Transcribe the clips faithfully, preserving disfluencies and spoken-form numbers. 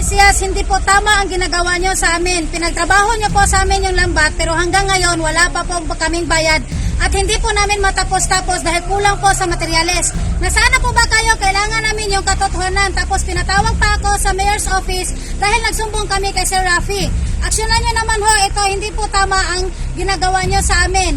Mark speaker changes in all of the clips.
Speaker 1: Mesías, hindi po tama ang ginagawa nyo sa amin. Pinagtrabaho nyo po sa amin yung lambat, pero hanggang ngayon wala pa po kaming bayad. At hindi po namin matapos-tapos dahil kulang po sa materyales. Nasaan na po ba kayo? Kailangan namin yung katotohanan. Tapos pinatawag pa ako sa mayor's office dahil nagsumbong kami kay Sir Rafi. Aksyonan nyo naman ho, ito hindi po tama ang ginagawa nyo sa amin.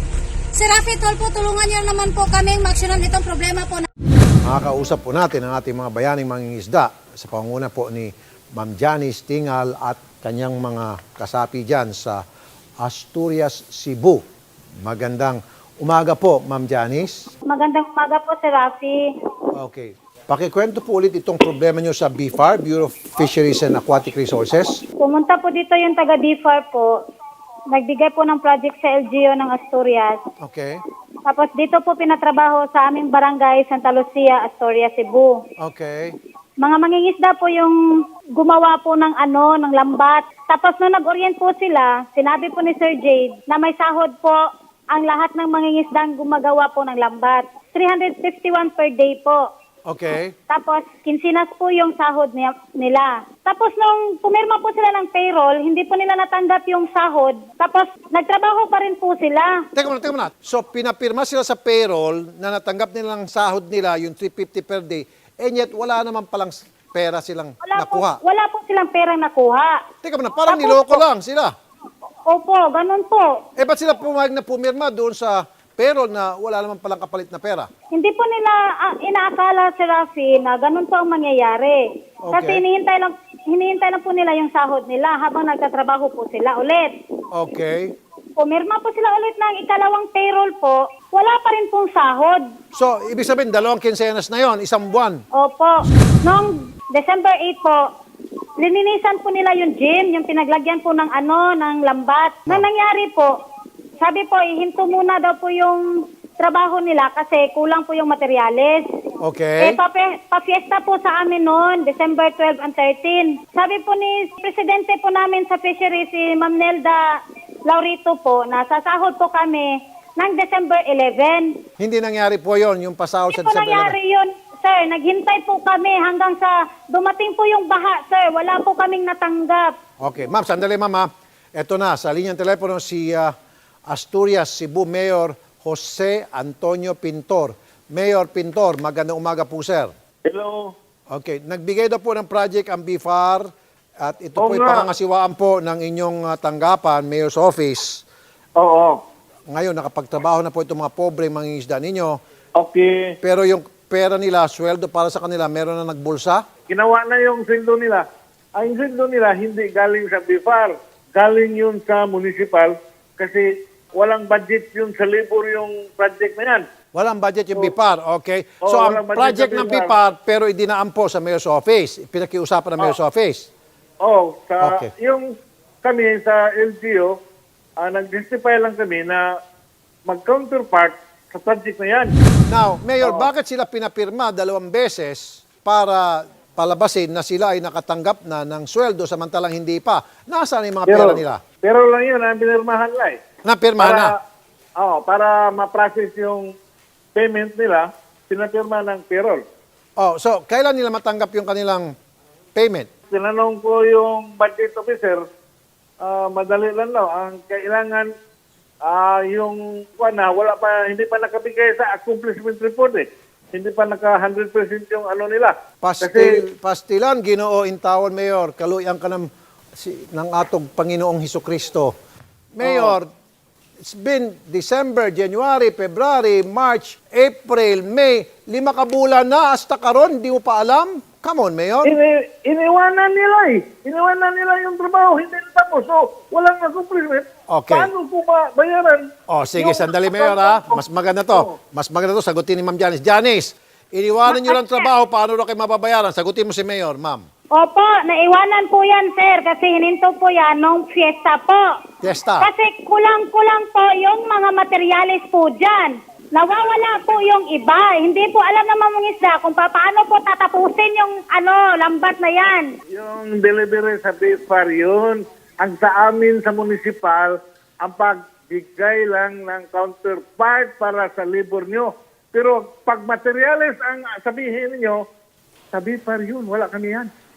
Speaker 1: Sir Rafi, tol po, tulungan nyo naman po kaming maksyonan itong problema po.
Speaker 2: Makakausap po natin ang ating mga bayaning mangingisda sa pangunguna po ni Ma'am Janice Tingal at kanyang mga kasapi dyan sa Asturias, Cebu. Magandang umaga po, Ma'am Janice.
Speaker 3: Magandang umaga po, Sir Rafi.
Speaker 2: Okay. Pakikwento po ulit itong problema nyo sa B F A R, Bureau of Fisheries and Aquatic Resources.
Speaker 3: Pumunta po dito yung taga B F A R po. Nagbigay po ng project sa L G U ng Asturias.
Speaker 2: Okay.
Speaker 3: Tapos dito po pinatrabaho sa aming barangay Santa Lucia, Asturias, Cebu.
Speaker 2: Okay.
Speaker 3: Mga mangingisda po yung gumawa po ng ano, ng lambat. Tapos nung nag-orient po sila, sinabi po ni Sir Jade na may sahod po ang lahat ng mangingisdang gumagawa po ng lambat. three hundred fifty-one per day po.
Speaker 2: Okay.
Speaker 3: Tapos, kinsinas po yung sahod niya, nila. Tapos, nung pumirma po sila ng payroll, hindi po nila natanggap yung sahod. Tapos, nagtrabaho pa rin po sila.
Speaker 2: Teka muna, teka muna. So, pinapirma sila sa payroll na natanggap nilang sahod nila, yung three hundred fifty per day, and yet wala naman palang pera silang
Speaker 3: Wala po,
Speaker 2: nakuha.
Speaker 3: wala po silang perang nakuha.
Speaker 2: Teka muna, parang
Speaker 3: Tapos
Speaker 2: niloko
Speaker 3: po-
Speaker 2: lang sila.
Speaker 3: Opo, ganun po.
Speaker 2: Eh, ba't sila pumayag na pumirma doon sa payroll na wala naman palang kapalit na pera?
Speaker 3: Hindi po nila ah, inaakala, Sir Rafi, na ganun po ang mangyayari. Kasi
Speaker 2: Okay.
Speaker 3: hinihintay lang, hinihintay lang po nila yung sahod nila habang nagtatrabaho po sila ulit.
Speaker 2: Okay.
Speaker 3: Pumirma po sila ulit ng ikalawang payroll po, wala pa rin pong sahod.
Speaker 2: So, ibig sabihin, dalawang kinsenas na yon, isang buwan.
Speaker 3: Opo. Noong December eighth po, lininisan po nila yung gym, yung pinaglagyan po ng ano, ng lambat. Na nangyari po, sabi po, ihinto muna daw po yung trabaho nila kasi kulang po yung materyales.
Speaker 2: Okay.
Speaker 3: Eh, pape, pa-fiesta po sa amin noon, December twelve and thirteen. Sabi po ni Presidente po namin sa fishery, si Ma'am Nelda Laurito po, na sasahod po kami ng December eleventh.
Speaker 2: Hindi nangyari po yon, yung pasahod sa
Speaker 3: Hindi po
Speaker 2: December
Speaker 3: nangyari yun, sir. Naghintay po kami hanggang sa dumating po yung baha, sir. Wala po kaming natanggap.
Speaker 2: Okay. Ma'am, sandali, ma'am. ha. Ito na, sa linyang telepono si ah, Asturias, Cebu Mayor Jose Antonio Pintor. Mayor Pintor, magandang umaga po, sir.
Speaker 4: Hello.
Speaker 2: Okay. Nagbigay daw po ng project ang B F A R at ito
Speaker 4: Oo
Speaker 2: po'y
Speaker 4: nga.
Speaker 2: pangangasiwaan po ng inyong ah, tanggapan, Mayor's Office.
Speaker 4: Oo.
Speaker 2: Ngayon, nakapagtrabaho na po itong mga pobre mangingisda ninyo.
Speaker 4: Okay.
Speaker 2: Pero yung pera nila, sweldo para sa kanila, meron na nagbulsa?
Speaker 4: Ginawa na yung sweldo nila. Ang sweldo nila hindi galing sa B F A R. Galing yun sa municipal kasi walang budget yun sa labor yung project na yan.
Speaker 2: Walang budget yung B F A R, okay?
Speaker 4: Oo,
Speaker 2: So, ang
Speaker 4: walang budget
Speaker 2: project
Speaker 4: sa
Speaker 2: ng
Speaker 4: B
Speaker 2: B
Speaker 4: F
Speaker 2: F A R, pero idinaan po sa Mayor's Office. Pinakiusapan ng Mayor's Office.
Speaker 4: Oh, sa
Speaker 2: Okay.
Speaker 4: yung kami sa L G U, ah, nag-justify lang kami na mag-counterpart sa project na yan.
Speaker 2: Now, Mayor, bakit sila pinapirma dalawang beses para palabasin na sila ay nakatanggap na ng sweldo samantalang hindi pa? Nasaan yung mga pera nila?
Speaker 4: pero lang yun, ang pinirmahan lang eh.
Speaker 2: Napirma na.
Speaker 4: Oh, para ma-process yung payment nila, pinapirma ng payroll.
Speaker 2: Oh, so, kailan nila matanggap yung kanilang payment?
Speaker 4: Tinanong ko yung budget officer, ah, madali lang daw. Ang kailangan, ah, yung kuwan na, wala pa, hindi pa nakabigay sa accomplishment report eh. Hindi pa naka one hundred percent yung ano nila.
Speaker 2: Pastil, pastilan, Ginoo Intawan, Mayor, kaluyan ka ng, si, ng atong Panginoong Hesukristo. Mayor, it's been December, January, February, March, April, May, lima ka bulan na, hasta karon, di mo pa alam? Come on, Mayor.
Speaker 4: Ini, iniwanan nila eh. Iniwanan nila yung trabaho, hindi tapos. So, walang accomplishment.
Speaker 2: Okay.
Speaker 4: Paano ko ba bayaran?
Speaker 2: Oh, sige,
Speaker 4: yung-
Speaker 2: sandali, Mayor, ha? Mas maganda to. Mas maganda to, sagutin ni Ma'am Janice. Janice, iniwanan nyo lang trabaho, paano na kayo mababayaran? Sagutin mo si Mayor, Ma'am.
Speaker 3: Opo, naiwanan po yan, sir, kasi hininto po yan nung fiesta po.
Speaker 2: Fiesta.
Speaker 3: Kasi kulang-kulang po yung mga materyales po dyan. Nawawala po yung iba. Hindi po alam ng mga isda kung pa- paano po tatapusin yung ano, lambat na yan.
Speaker 4: Yung delivery sa B F A R yun, ang sa amin sa municipal, ang pagbigay lang ng counterpart para sa labor nyo. Pero pag materials ang sabihin niyo, sa B F A R yun, wala kami yan.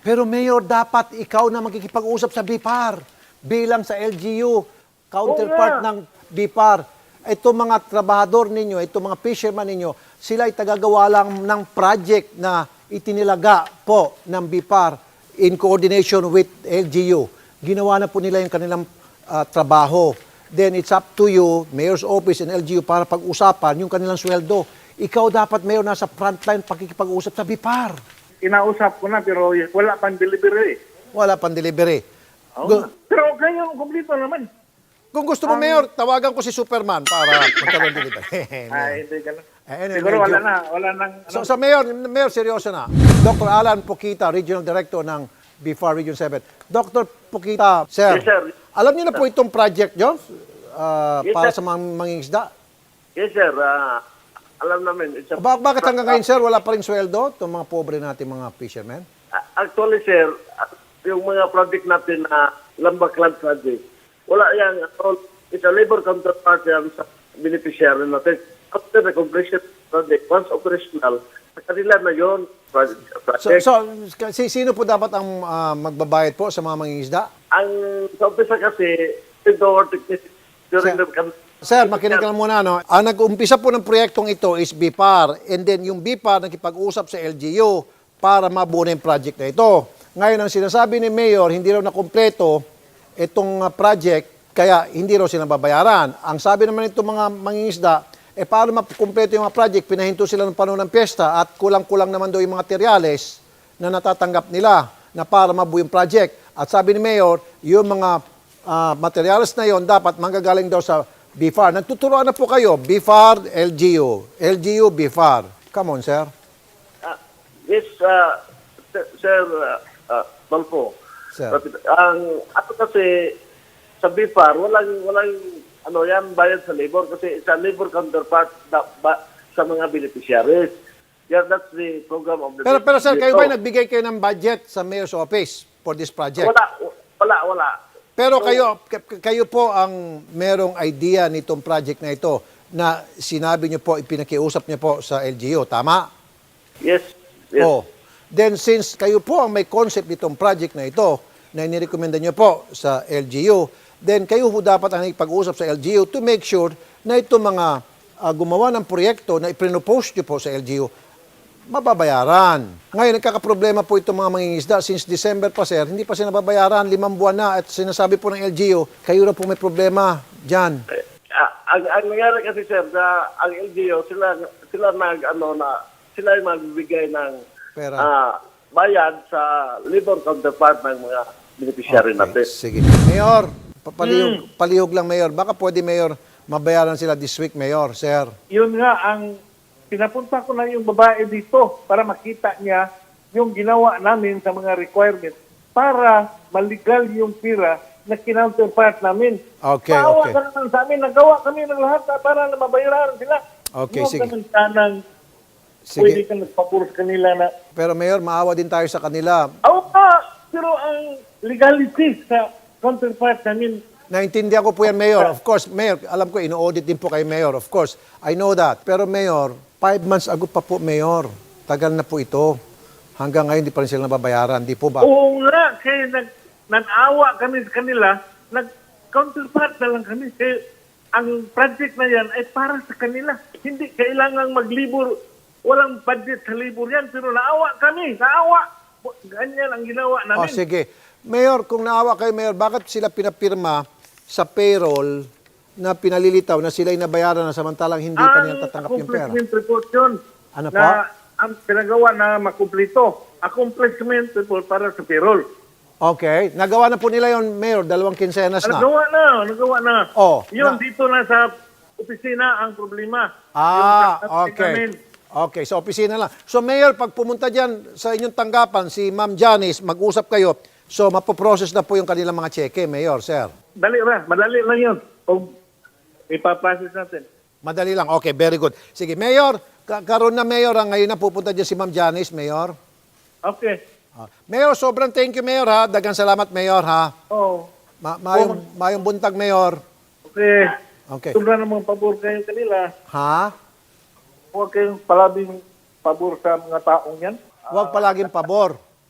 Speaker 2: Pero Mayor, dapat ikaw na magkikipag-usap sa B I P A R bilang sa L G U, counterpart
Speaker 4: Oo nga.
Speaker 2: ng B I P A R. Itong mga trabahador ninyo, itong mga fisherman ninyo, sila ay tagagawa lang ng project na itinilaga po ng B I P A R in coordination with L G U. Ginawa na po nila yung kanilang ah, trabaho. Then it's up to you, Mayor's Office and L G U, para pag-usapan yung kanilang sweldo. Ikaw dapat, Mayor, nasa frontline pakikipag-usap sa B I P A R.
Speaker 4: Inausap ko na pero wala pang delivery.
Speaker 2: Wala pang delivery.
Speaker 4: Oo
Speaker 2: Gu-
Speaker 4: nga. Pero kayo, kumplito naman.
Speaker 2: Kung gusto mo, Mayor, tawagan ko si Superman para magkaroon delivery.
Speaker 4: Ay, hindi ka na.
Speaker 2: Eh, anyway,
Speaker 4: Siguro wala
Speaker 2: medyo-
Speaker 4: na. Wala nang...
Speaker 2: So, sa Mayor, Mayor, seryoso na. Doctor Alan Pukita, Regional Director ng B I F A R Region seven. Doctor Pukita, sir,
Speaker 4: Yes, sir.
Speaker 2: alam niyo na po itong project nyo ah,
Speaker 4: Yes,
Speaker 2: para
Speaker 4: sir.
Speaker 2: sa mga mangingisda?
Speaker 4: Yes, sir. Ah, alam namin. It's a-
Speaker 2: Ba- bakit hanggang ngayon, sir, wala pa rin sweldo itong mga pobre natin mga fishermen?
Speaker 4: Ah, Actually, sir, ah, yung mga project natin na Lambak Land Project, wala yan. It's a labor counterpart yan sa beneficiary natin. After the completion of the project, once operational, sa kanila na yun, project.
Speaker 2: So,
Speaker 4: project.
Speaker 2: so si, sino po dapat ang ah, magbabayad po sa mga mangingisda?
Speaker 4: Ang sa umpisa kasi, indoor technician during
Speaker 2: Sir,
Speaker 4: the...
Speaker 2: Sir, makinig ka lang muna, no? Ang nag-umpisa po ng proyektong ito is B I P A R, and then yung B I P A R nakipag-usap sa L G U para mabuo na yung project na ito. Ngayon, ang sinasabi ni Mayor, hindi raw nakumpleto itong ah, project, kaya hindi raw sila babayaran. Ang sabi naman itong mga mangingisda, eh paano makumpleto yung mga project, pinahinto sila ng panahon ng piyesta at kulang-kulang naman daw yung mga materyales na natatanggap nila na para mabuo yung project. At sabi ni Mayor, yung mga ah, materyales na yon dapat manggagaling daw sa B I F A R. Nagtuturoan na po kayo, B I F A R, L G U. L G U, B I F A R. Come on, sir.
Speaker 4: Ah, yes, uh, sir, sir uh, uh, Balfo.
Speaker 2: Sir.
Speaker 4: Ang ako kasi sa B I F A R, walang, walang ano yan, bayad sa labor kasi sa labor counterpart na, ba, sa mga beneficiaries. Yeah, that's the program of the...
Speaker 2: Pero, pero sir, kayo
Speaker 4: So,
Speaker 2: ba nagbigay kayo ng budget sa Mayor's Office for this project?
Speaker 4: Wala, wala, wala.
Speaker 2: Pero kayo, k- kayo po ang merong idea nitong project na ito na sinabi niyo po, ipinakiusap niyo po sa L G U. Tama?
Speaker 4: Yes, yes.
Speaker 2: Oh. Then since kayo po ang may concept nitong project na ito na inirekomenda niyo po sa L G U, then kayo po dapat ang ipag-usap sa L G U to make sure na itong mga ah, gumawa ng proyekto na iprinopose niyo po sa L G U, mababayaran. Ngayon, nagkakaproblema po itong mga mangingisda. Since December pa, sir, hindi pa sila nababayaran. Limang buwan na. At sinasabi po ng L G U, kayo na po may problema dyan.
Speaker 4: Ah, ang, ang nangyari kasi sir, na ang L G U, sila, sila nag, ano, na, sila yung magbibigay ng
Speaker 2: Pera.
Speaker 4: ah, bayad sa labor counterpart ng mga beneficiary natin.
Speaker 2: Sige. Mayor, papalihog, palihog lang, Mayor. Baka pwede, Mayor, mabayaran sila this week, Mayor, sir.
Speaker 4: Yun nga, ang pinapunta ko na yung babae dito para makita niya yung ginawa namin sa mga requirements para maligal yung pira na kinounterpart namin.
Speaker 2: Okay,
Speaker 4: Maawa
Speaker 2: okay.
Speaker 4: ka naman sa amin, nagawa kami ng lahat para na mabayaran sila.
Speaker 2: Okay,
Speaker 4: Huwag
Speaker 2: sige.
Speaker 4: ka ng tanang,
Speaker 2: Sige.
Speaker 4: pwede ka nagpapuro sa kanila na,
Speaker 2: Pero, Mayor, maawa din tayo sa kanila.
Speaker 4: oo nga, pero ang legality sa counterpart namin,
Speaker 2: Naintindihan ko po yan, Mayor. Of course, Mayor, alam ko, ino-audit din po kay Mayor. Of course, I know that. Pero, Mayor, five months ago pa po, Mayor. Tagal na po ito. Hanggang ngayon, di pa rin sila nababayaran. Di po ba?
Speaker 4: oo nga, kaya nag, nag-awa kami sa kanila, nag-counterpart na lang kami. Kaya ang project na yan ay para sa kanila. Hindi kailangang maglibor. Walang budget sa libor yan, pero naawa kami, naawa. Ganyan ang ginawa
Speaker 2: O,
Speaker 4: namin.
Speaker 2: sige. Mayor, kung naawa kayo, Mayor, bakit sila pinapirma sa payroll na pinalilitaw na sila'y nabayaran na samantalang hindi pa nila tatanggap yung pera?
Speaker 4: accomplishment report yun.
Speaker 2: Ano
Speaker 4: na
Speaker 2: po?
Speaker 4: ang pinagawa na makumplito. Accomplishment report para sa payroll.
Speaker 2: Okay. Nagawa na po nila yon, Mayor, dalawang kinsenas na.
Speaker 4: Nagawa na, nagawa na.
Speaker 2: Oh,
Speaker 4: Yun,
Speaker 2: na-
Speaker 4: dito na sa opisina ang problema.
Speaker 2: Ah,
Speaker 4: Yung namin.
Speaker 2: okay. Okay, sa opisina lang. So, Mayor, pag pumunta dyan sa inyong tanggapan, si Ma'am Janice, mag-usap kayo. So, mapoprocess na po yung kanilang mga cheque, Mayor, sir.
Speaker 4: Dali ra, madali lang yun. O ipaprocess natin.
Speaker 2: Madali lang. Okay, very good. Sige, Mayor, ka- karoon na, Mayor, ha? Ngayon na pupunta dyan si Ma'am Janice, Mayor.
Speaker 4: Okay.
Speaker 2: Ah, Mayor, sobrang thank you, Mayor, ha? Dagang salamat, Mayor, ha?
Speaker 4: Oh,
Speaker 2: Ma mayong, mayong buntag, Mayor.
Speaker 4: okay.
Speaker 2: Okay.
Speaker 4: Sobra namang pabor kayo kanila.
Speaker 2: Ha?
Speaker 4: Huwag kayong palabing pabor sa mga taong yan.
Speaker 2: Huwag palaging pabor.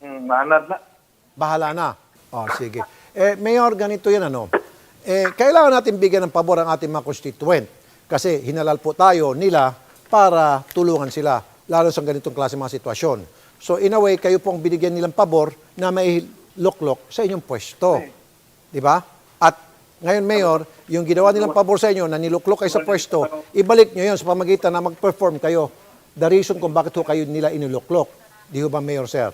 Speaker 4: Hmm, naanad na.
Speaker 2: Bahala na. Oh, sige. Eh, Mayor, ganito yan ano. Eh, kailangan natin bigyan ng pabor ang ating mga constituent. Kasi hinalal po tayo nila para tulungan sila, lalo sa ganitong klase mga sitwasyon. So, in a way, kayo pong binigyan nilang pabor na may loklok sa inyong pwesto. Di ba? At ngayon, Mayor, yung ginawa nilang pabor sa inyo na niluklok kayo sa pwesto, ibalik nyo yun sa pamagitan na mag-perform kayo. The reason kung bakit ho kayo nila iniluklok. Di ho ba, Mayor, sir?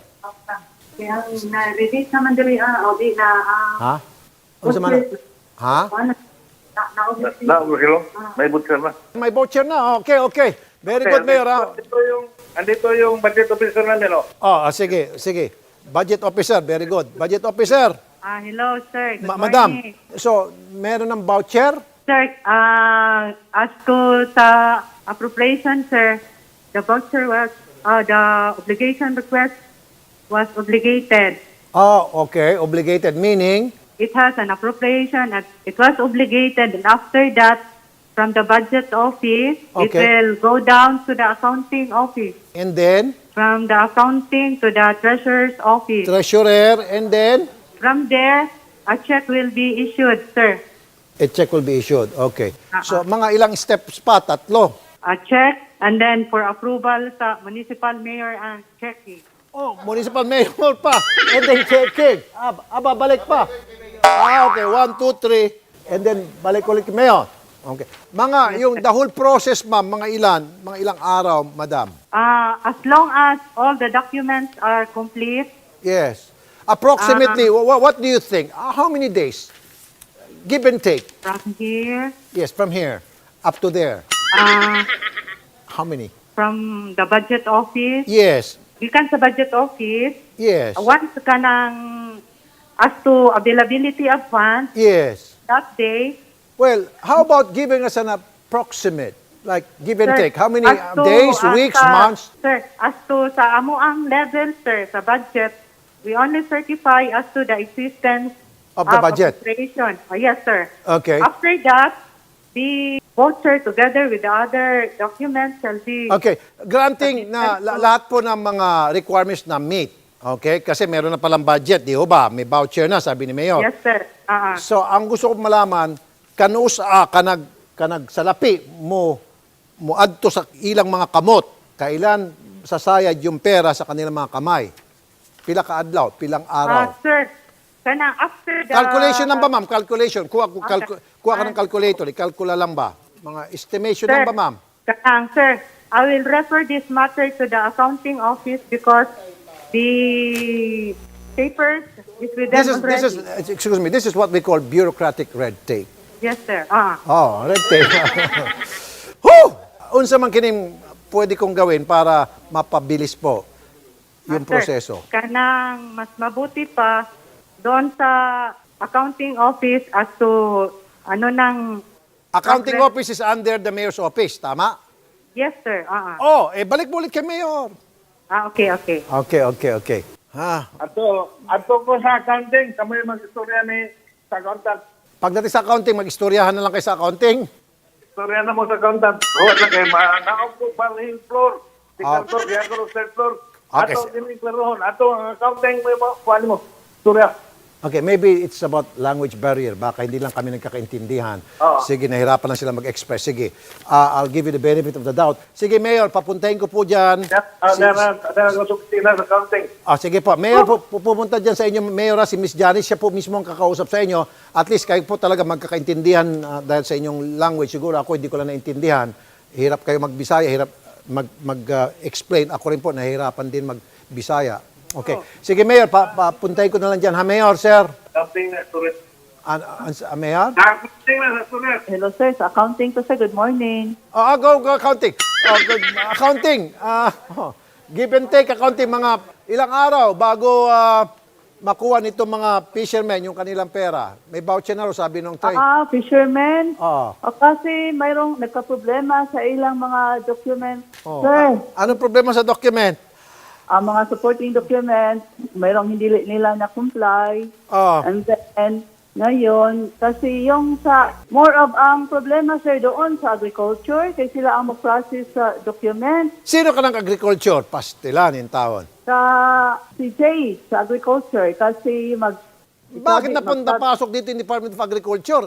Speaker 5: Kaya na-release naman dili ah, o di na ah,
Speaker 2: Ha? Ano sa mana? Ha?
Speaker 5: ano, na na
Speaker 4: Na, hello? May butcher na.
Speaker 2: May voucher na. Okay, okay. Very good, Mayor. Ha?
Speaker 4: Andito yung, andito yung budget officer namin, oh.
Speaker 2: Oh, ah, sige, sige. Budget officer, very good. Budget officer,
Speaker 5: ah hello sir. Good
Speaker 2: ma- madam.
Speaker 5: morning.
Speaker 2: So, meron ng voucher?
Speaker 5: Sir, ah as to sa appropriation sir, the voucher was uh, the obligation request was obligated.
Speaker 2: Oh, okay. Obligated, meaning?
Speaker 5: It has an appropriation and it was obligated and after that from the budget office it
Speaker 2: Okay.
Speaker 5: will go down to the accounting office.
Speaker 2: And then,
Speaker 5: From the accounting to the treasurer's office.
Speaker 2: treasurer, and then,
Speaker 5: From there, a check will be issued, sir.
Speaker 2: a check will be issued. Okay. So, mga ilang steps pa? Tatlo.
Speaker 5: A check, and then for approval sa municipal mayor and checking.
Speaker 2: Oh, municipal mayor pa. And then checking. Ah, ah, babalik pa. Ah, okay. One, two, three. And then, balik ulit kay mayor. Okay. Mga, yung the whole process, ma'am, mga ilan? Mga ilang araw, madam?
Speaker 5: Uh, as long as all the documents are complete,
Speaker 2: Yes. Approximately, wha- what do you think? Uh, How many days? Give and take.
Speaker 5: from here,
Speaker 2: Yes, from here up to there.
Speaker 5: uh,
Speaker 2: How many?
Speaker 5: from the budget office,
Speaker 2: Yes.
Speaker 5: gikan sa budget office,
Speaker 2: Yes.
Speaker 5: uh, once ka ng, as to availability of funds,
Speaker 2: Yes.
Speaker 5: that day,
Speaker 2: Well, how about giving us an approximate? Like, give and
Speaker 5: sir,
Speaker 2: take. How many
Speaker 5: as
Speaker 2: uh,
Speaker 5: to-
Speaker 2: days,
Speaker 5: as
Speaker 2: weeks,
Speaker 5: sa-
Speaker 2: months?
Speaker 5: Sir, as to sa amo ang level, sir, sa budget, we only certify as to the existence
Speaker 2: Of the budget.
Speaker 5: appropriation. Oh, yes, sir.
Speaker 2: Okay.
Speaker 5: After that, the voucher together with the other documents shall be...
Speaker 2: Okay. Granting na la- lahat po ng mga requirements na meet. Okay? Kasi meron na palang budget, di ho ba? May voucher na, sabi ni Mayor.
Speaker 5: Yes, sir. Ah, ah.
Speaker 2: So, ang gusto ko malaman, kanus ah, kanag kanag salapi mo mo adto sa ilang mga kamot, kailan sasayad yung pera sa kanilang mga kamay? Pila ka adlaw, pilang
Speaker 5: Ah,
Speaker 2: araw?
Speaker 5: sir, kana after the...
Speaker 2: Calculation lang ba, ma'am? Calculation. Kuha, ku-
Speaker 5: Okay.
Speaker 2: calcu- kuha ka ng calculator. I-calcula lang ba? Mga estimation
Speaker 5: Sir,
Speaker 2: lang ba, ma'am?
Speaker 5: kanang, sir, I will refer this matter to the accounting office because the papers is with them
Speaker 2: This is, this is,
Speaker 5: already.
Speaker 2: excuse me, this is what we call bureaucratic red tape.
Speaker 5: Yes, sir. Ah.
Speaker 2: Oh, red tape. Whew! Unsa man kining pwede kong gawin para mapabilis po yung
Speaker 5: Ah, sir,
Speaker 2: proseso?
Speaker 5: Kanang mas mabuti pa doon sa accounting office as to ano nang...
Speaker 2: Accounting
Speaker 5: progress-
Speaker 2: office is under the mayor's office, tama?
Speaker 5: Yes, sir. Ah, ah.
Speaker 2: Oh, eh balik mo ulit kay mayor.
Speaker 5: Ah, okay, okay.
Speaker 2: Okay, okay, okay. Ha,
Speaker 4: Ato, ato ko sa accounting, kami mag-istorya ni sa accountant.
Speaker 2: pagdating sa accounting, mag-istoryahan na lang kayo sa accounting.
Speaker 4: Istorya na mo sa accountant. Huwag na kayo, naog ko pa rin floor.
Speaker 2: Ah.
Speaker 4: Second floor, kaya ko third floor.
Speaker 2: Okay,
Speaker 4: Ato,
Speaker 2: sir.
Speaker 4: kiniklarohon. Ato, ang accounting mo, mo, kuhan mo. Istorya.
Speaker 2: Okay, maybe it's about language barrier. Baka hindi lang kami nagkakaintindihan.
Speaker 4: Oo.
Speaker 2: Sige, nahirapan lang sila mag-express. Sige, ah, I'll give you the benefit of the doubt. Sige, Mayor, papuntahin ko po dyan.
Speaker 4: Ah,
Speaker 2: Si-
Speaker 4: Dara, dara ko sa accounting.
Speaker 2: Ah, sige po. Mayor, po, pu- pupunta dyan sa inyo, Mayor, ah, si Miss Janice, siya po mismo ang kakausap sa inyo. At least kayo po talaga magkakaintindihan ah, dahil sa inyong language. Siguro ako hindi ko lang naintindihan. Hirap kayo magbisaya, hirap mag-explain. ako rin po, nahihirapan din magbisaya. Okay. Sige, Mayor, pa, papuntahin ko na lang dyan. Ha, Mayor, sir?
Speaker 4: Accounting na istorya.
Speaker 2: An, an, an, Mayor?
Speaker 4: Accounting na istorya.
Speaker 5: Hello, sir. Sa accounting to, sir. Good morning.
Speaker 2: Ah, go, go, accounting. Oh, good. Accounting. Ah, oh, give and take accounting. Mga ilang araw bago ah, makuha nito mga fishermen yung kanilang pera. May voucher na ro, sabi nung trade.
Speaker 6: Ah, fishermen.
Speaker 2: Ah.
Speaker 6: O kasi mayroong nagka-problema sa ilang mga documents.
Speaker 2: Oh.
Speaker 6: Sir,
Speaker 2: A- anong problema sa document?
Speaker 6: ang mga supporting documents, mayroong hindi li- nila na-comply.
Speaker 2: Ah.
Speaker 6: And then, Ngayon, kasi yung sa, more of ang problema, sir, doon sa agriculture, kasi sila ang mag-process sa document.
Speaker 2: Sino ka ng agriculture? Pastilan in tawon.
Speaker 6: Sa C J, sa agriculture, kasi mag...
Speaker 2: Bakit
Speaker 6: sabi-
Speaker 2: napunta
Speaker 6: mag-
Speaker 2: pasok dito yung Department of Agriculture?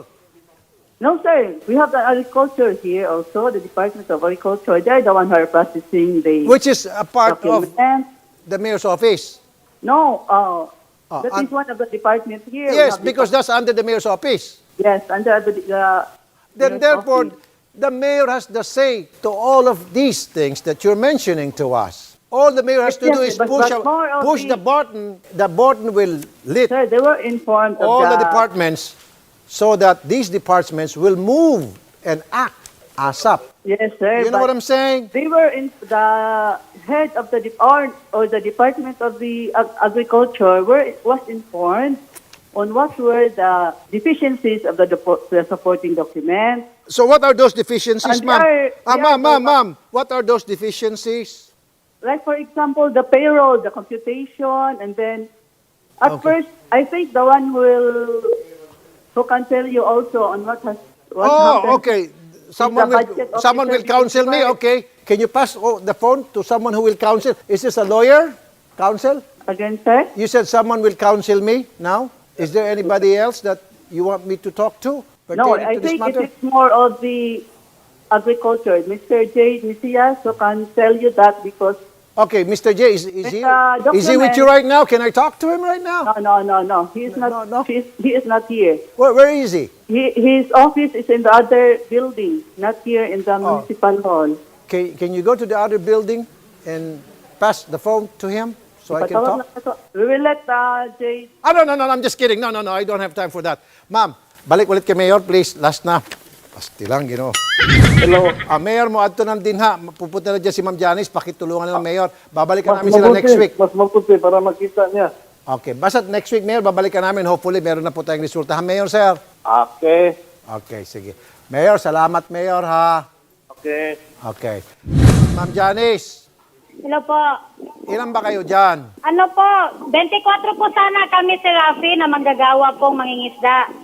Speaker 6: No, sir. We have the agriculture here also, the Department of Agriculture. They're the one who are processing the
Speaker 2: Which is a part of
Speaker 6: document.
Speaker 2: the mayor's office.
Speaker 6: No, uh,
Speaker 2: Oh,
Speaker 6: that
Speaker 2: and-
Speaker 6: is one of the departments here. We
Speaker 2: Yes,
Speaker 6: have the-
Speaker 2: because that's under the mayor's office.
Speaker 6: Yes, under the... Uh,
Speaker 2: Then
Speaker 6: mayor's
Speaker 2: therefore,
Speaker 6: office.
Speaker 2: the mayor has the say to all of these things that you're mentioning to us. All the mayor has to
Speaker 6: Yes,
Speaker 2: do is
Speaker 6: but-
Speaker 2: push,
Speaker 6: but
Speaker 2: a-
Speaker 6: more of
Speaker 2: push
Speaker 6: the-
Speaker 2: the button. The button will lit
Speaker 6: Sir, they were informed of
Speaker 2: all the
Speaker 6: the...
Speaker 2: departments so that these departments will move and act ASAP.
Speaker 6: Yes, sir.
Speaker 2: You know
Speaker 6: but
Speaker 2: what I'm saying?
Speaker 6: They were in the head of the de- or, or the Department of the Ag- Agriculture were was informed on what were the deficiencies of the, depo- the supporting document.
Speaker 2: So what are those deficiencies,
Speaker 6: And
Speaker 2: ma'am?
Speaker 6: they are-
Speaker 2: Ah,
Speaker 6: they
Speaker 2: ma'am,
Speaker 6: are-
Speaker 2: ma'am, ma'am. What are those deficiencies?
Speaker 6: Like, for example, the payroll, the computation, and then at
Speaker 2: Okay.
Speaker 6: first, I think the one will who can tell you also on what has what
Speaker 2: Oh,
Speaker 6: happened.
Speaker 2: okay. Someone
Speaker 6: the
Speaker 2: will,
Speaker 6: budget
Speaker 2: someone
Speaker 6: officer
Speaker 2: will counsel me.
Speaker 6: testified.
Speaker 2: Okay. Can you pass oh, the phone to someone who will counsel? Is this a lawyer? Counsel?
Speaker 6: Again, sir?
Speaker 2: You said someone will counsel me now. Is there anybody else that you want me to talk to
Speaker 6: No,
Speaker 2: pertaining
Speaker 6: I
Speaker 2: to this
Speaker 6: think
Speaker 2: matter?
Speaker 6: it is more of the agriculture. Mister J. Messias who can tell you that because
Speaker 2: Okay, Mister J, is, is, he,
Speaker 6: Uh,
Speaker 2: is he with
Speaker 6: document-
Speaker 2: you right now? Can I talk to him right now?
Speaker 6: no, no, no, no. He is not.
Speaker 2: No, no.
Speaker 6: He, is, he is not here.
Speaker 2: Where, where is he?
Speaker 6: He, his office is in the other building, not here in the
Speaker 2: Oh.
Speaker 6: municipal hall.
Speaker 2: Can, can you go to the other building and pass the phone to him so I can
Speaker 6: Patawag
Speaker 2: talk?
Speaker 6: na ito. We will let uh, J.
Speaker 2: Ah, no, no, no, I'm just kidding. No, no, no, I don't have time for that. Ma'am, balik ulit kay Mayor, please. Last na. Pasti lang, Ginoo.
Speaker 4: Hello.
Speaker 2: Ah, Mayor mo, adto ng dinha. Pupunta na dyan si Ma'am Janice. Pakitulungan na ng Mayor. Babalikan
Speaker 4: Mas
Speaker 2: namin sila
Speaker 4: mabuti,
Speaker 2: next week.
Speaker 4: Mas mabuti para makita niya.
Speaker 2: Okay. Basta next week, Mayor, babalikan namin. Hopefully, meron na po tayong resulta. Ha, Mayor, sir?
Speaker 4: Okay.
Speaker 2: Okay, sige. Mayor, salamat, Mayor, ha?
Speaker 4: Okay.
Speaker 2: Okay. Ma'am Janice,
Speaker 3: Hello po.
Speaker 2: ilan ba kayo dyan?
Speaker 3: Ano po, twenty-four po sana kami si Rafi na manggagawa pong mangingisda.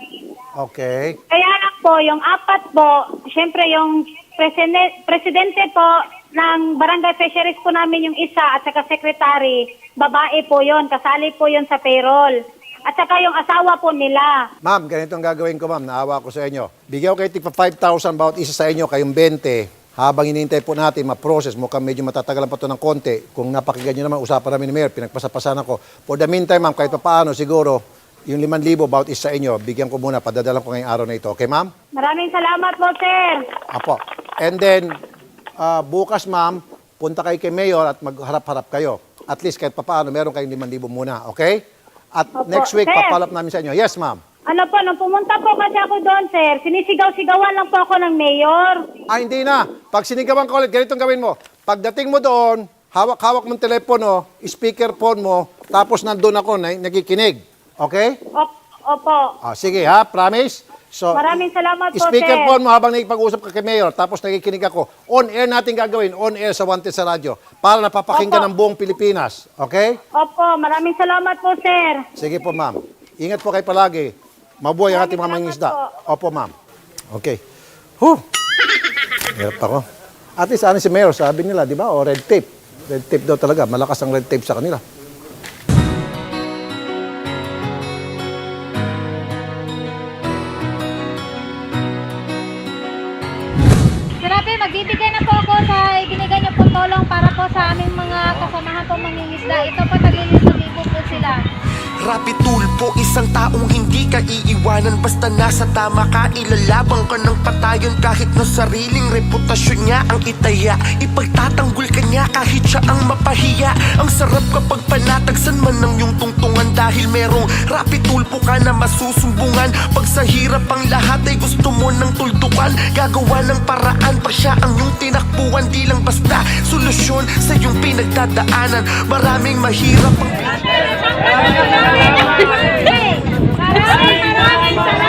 Speaker 2: Okay.
Speaker 3: Kaya lang po, yung apat po, siyempre yung presidente, presidente po ng Barangay Fisheries po namin yung isa at saka secretary, babae po yon, kasali po yon sa payroll. At saka yung asawa po nila.
Speaker 2: Ma'am, ganito ang gagawin ko, ma'am. Naawa ko sa inyo. Bigyan ko kayo tigpa five thousand bawat isa sa inyo, kayong twenty. Habang hinihintay po natin ma-process, mukhang medyo matatagalan pa ito ng konti. Kung napakinggan nyo naman, usapan namin ni Mayor, pinagpasapasan ako. For the meantime, ma'am, kahit pa paano, siguro, yung limang libo bawat isa sa inyo, bigyan ko muna, padadalan ko ngayong araw na ito. Okay, ma'am?
Speaker 3: Maraming salamat po, sir.
Speaker 2: Apo. And then, ah, bukas, ma'am, punta kayo kay Mayor at magharap-harap kayo. At least kahit pa paano, meron kayong limang libo muna. Okay? At
Speaker 3: Opo.
Speaker 2: next week,
Speaker 3: Sir.
Speaker 2: papalap namin sa inyo. Yes, ma'am.
Speaker 3: Ano po, nung pumunta po kasi ako doon, sir, sinisigaw-sigawan lang po ako ng mayor.
Speaker 2: Ah, hindi na. Pag sinigawan ko ulit, ganitong gawin mo. Pagdating mo doon, hawak-hawak mong telepono, speakerphone mo, tapos nandun ako, na, nakikinig. Okay?
Speaker 3: Op- Opo.
Speaker 2: Ah, sige ha, promise? So,
Speaker 3: Maraming salamat po,
Speaker 2: speakerphone
Speaker 3: sir.
Speaker 2: mo habang nakipag-usap ka kay Mayor, tapos nakikinig ako. On-air natin gagawin, on-air sa Wanted sa radyo, para napapakinggan
Speaker 3: Opo.
Speaker 2: ng buong Pilipinas. Okay?
Speaker 3: Opo, maraming salamat po, sir.
Speaker 2: Sige po, ma'am. Ingat po kayo palagi. Mabuhay ang ating mga
Speaker 3: Maraming
Speaker 2: mangingisda.
Speaker 3: salamat
Speaker 2: Opo, ma'am. Okay. Huh. Hirap ako. At least, ano si Mayor, sabi nila, di ba? O, red tape. Red tape daw talaga. Malakas ang red tape sa kanila.
Speaker 1: Grabe, magbibigay na po ako sa ibinigay niyo pong tulong para po sa aming mga kasamahan pong mangingisda. Ito po, taglilibo po sila.
Speaker 7: Rapi tulpo, isang taong hindi ka iiwanan. Basta nasa tama ka, ilalabang ka ng patayon. Kahit na sariling reputasyon niya ang itaya, ipagtatanggol ka niya kahit siya ang mapahiya. Ang sarap kapag panatagsan man ng iyong tungtungan, dahil merong rapi tulpo ka na masusumbungan. Pag sa hirap ang lahat ay gusto mo ng tuldukan, gagawa ng paraan pa siya ang iyong tinakbuhan. Di lang basta solusyon sa iyong pinagdadaanan. Maraming mahirap ang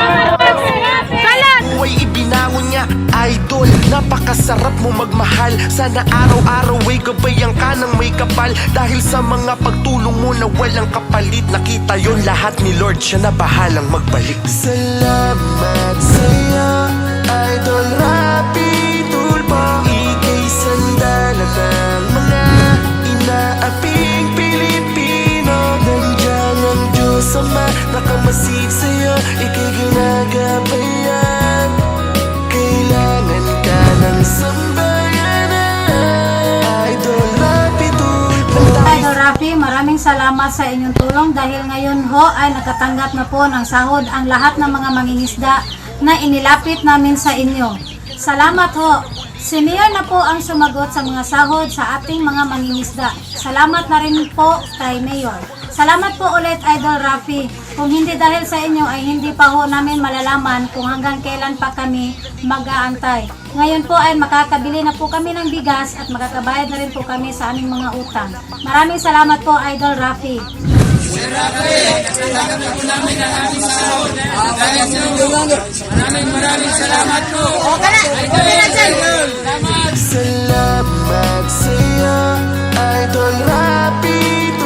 Speaker 7: buhay ibinangon niya, idol. Napakasarap mo magmahal sa Sana araw-araw ay gabayan ka ng may kapal. Dahil sa mga pagtulong mo na walang kapalit, nakita yon lahat ni Lord, siya na bahalang magbalik. Salamat sa'yo, Idol Rapi Tulfo. Ika'y sandala ng mga inaaping Pilipino. Nandiyan ang Diyos Ama, nakamasid sa'yo, ika'y ginagabayan. Kailangan ka ng sambayanan, Idol Rapi Tulfo.
Speaker 1: Idol Rafi, maraming salamat sa inyong tulong dahil ngayon ho ay nakatanggap na po ng sahod ang lahat ng mga mangingisda na inilapit namin sa inyo. Salamat ho. Si Mayor na po ang sumagot sa mga sahod sa ating mga mangingisda. Salamat na rin po kay Mayor. Salamat po ulit, Idol Rafi. Kung hindi dahil sa inyo ay hindi pa ho namin malalaman kung hanggang kailan pa kami mag-aantay. Ngayon po ay makakabili na po kami ng bigas at makakabayad na rin po kami sa aming mga utang. Maraming salamat po, Idol Rafi.
Speaker 7: Salamat sa'yo, Idol Rapi